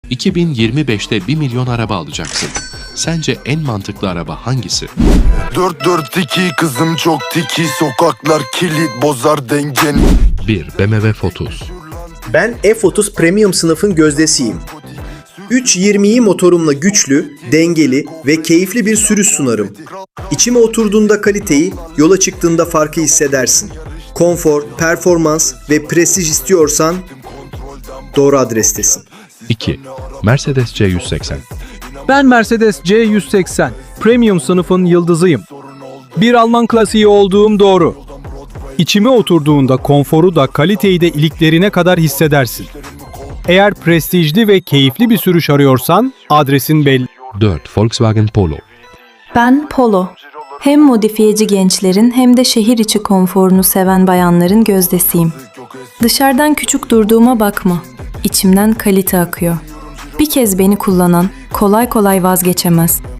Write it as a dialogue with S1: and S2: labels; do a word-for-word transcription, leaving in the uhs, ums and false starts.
S1: iki bin yirmi beşte bir milyon araba alacaksın. Sence en mantıklı araba hangisi?
S2: dört dört iki kızım çok tiki, sokaklar kilit bozar dengeni.
S1: bir B M W F otuz.
S3: Ben F otuz Premium sınıfın gözdesiyim. üç yirmiyi motorumla güçlü, dengeli ve keyifli bir sürüş sunarım. İçime oturduğunda kaliteyi, yola çıktığında farkı hissedersin. Konfor, performans ve prestij istiyorsan doğru adrestesin.
S1: iki Mercedes C yüz seksen.
S4: Ben Mercedes C yüz seksen, Premium sınıfın yıldızıyım. Bir Alman klasiği olduğum doğru. İçime oturduğunda konforu da kaliteyi de iliklerine kadar hissedersin. Eğer prestijli ve keyifli bir sürüş arıyorsan adresin belli.
S1: dört Volkswagen Polo.
S5: Ben Polo. Hem modifiyeci gençlerin hem de şehir içi konforunu seven bayanların gözdesiyim. Dışarıdan küçük durduğuma bakma. İçimden kalite akıyor. Bir kez beni kullanan kolay kolay vazgeçemez.